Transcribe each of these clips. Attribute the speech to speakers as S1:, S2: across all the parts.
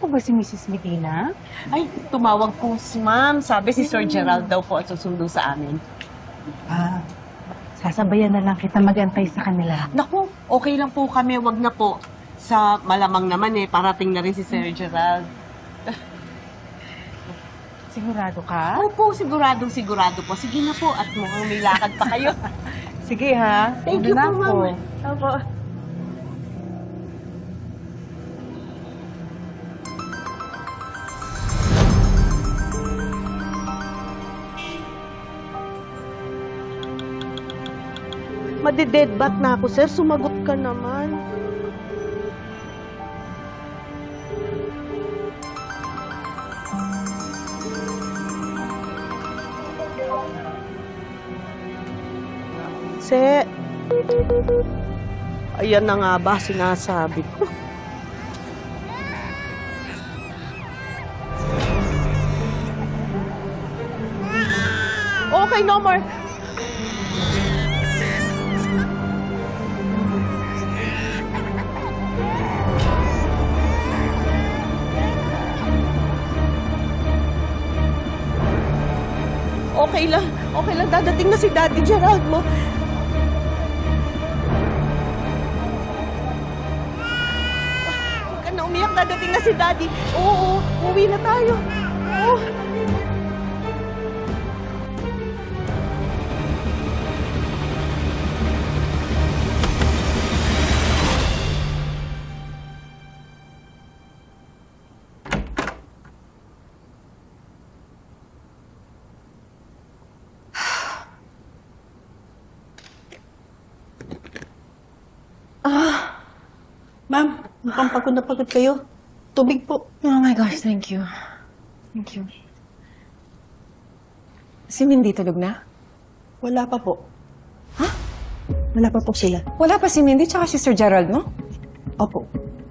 S1: po ba si Mrs. Medina?
S2: Ay, tumawag po si ma'am. Sabi si Sir Gerald daw po at susundo sa amin.
S1: Ah, sasabayan na lang kita magantay sa kanila.
S2: Naku, okay lang po kami. Wag na po. Sa malamang naman parating na rin si Sir Gerald.
S1: Sigurado ka?
S2: Opo, sigurado po. Sige na po at mukhang may lakad pa kayo.
S1: Sige ha.
S2: Thank you
S1: Una
S2: po,
S1: na ako.
S2: ma'am. Opo.
S3: Madi-deadbat na ako, sir. Sumagot ka naman. Se, ayan na nga ba sinasabi ko. Okay, no more. Okay lang. Okay lang. Dadating na si Daddy Gerald mo. Huwag ka na umiyak. Dadating na si Daddy. Oo, uwi na tayo. Oo. Ma'am, mukhang pagod na pagod kayo. Tubig po.
S4: Oh my gosh, thank you. Thank you. Si Mindy tulog na?
S3: Wala pa po. Ha? Wala pa po sila.
S4: Wala pa si Mindy tsaka si Sir Gerald, no?
S3: Opo.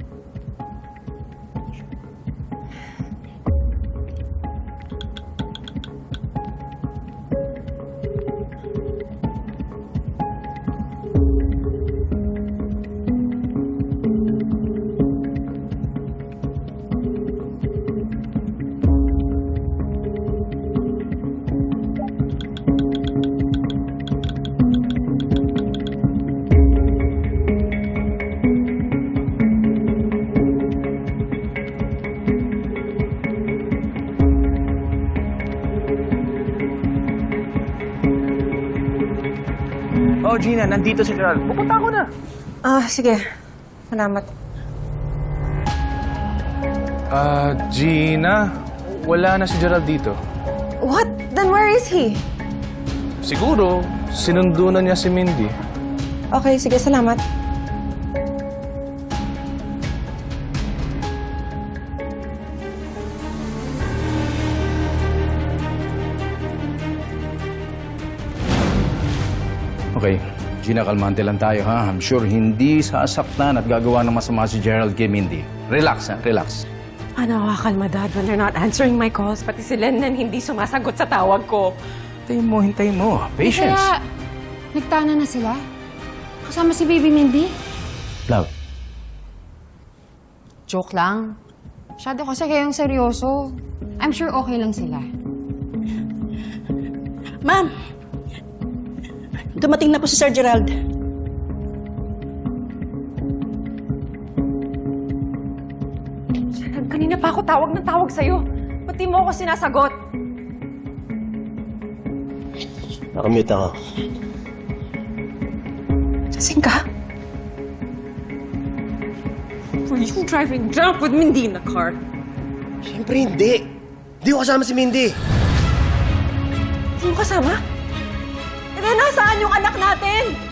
S5: Oh, Gina, nandito si Gerald. Pupunta ako na.
S4: Sige. Salamat.
S5: Gina, wala na si Gerald dito.
S4: What? Then where is he?
S5: Siguro, sinundo na niya si Mindy.
S4: Okay, sige, salamat.
S6: Okay, Gina, kalmante lang tayo, ha? I'm sure hindi sasaktan at gagawa ng masama si Gerald kay Mindy. Relax, ha? Relax.
S4: Ano, kakalma, Dad, when they're not answering my calls. Pati si Lennon hindi sumasagot sa tawag ko.
S6: Hintayin mo. Patience.
S7: Kaya, nagtana na sila? Kasama si Baby Mindy?
S6: Love.
S7: Joke lang. Masyado kasi kayong seryoso. I'm sure okay lang sila.
S3: Ma'am! Dumating na po si Sir Gerald.
S4: Kanina pa ako tawag ng tawag sa'yo. Pati mo ako sinasagot.
S8: Nakamute ako.
S4: Lasing ka? Were you driving drunk with Mindy in the car?
S8: Siyempre hindi. Hindi ko kasama si Mindy.
S4: Hindi mo kasama? Eh, nasaan yung anak natin?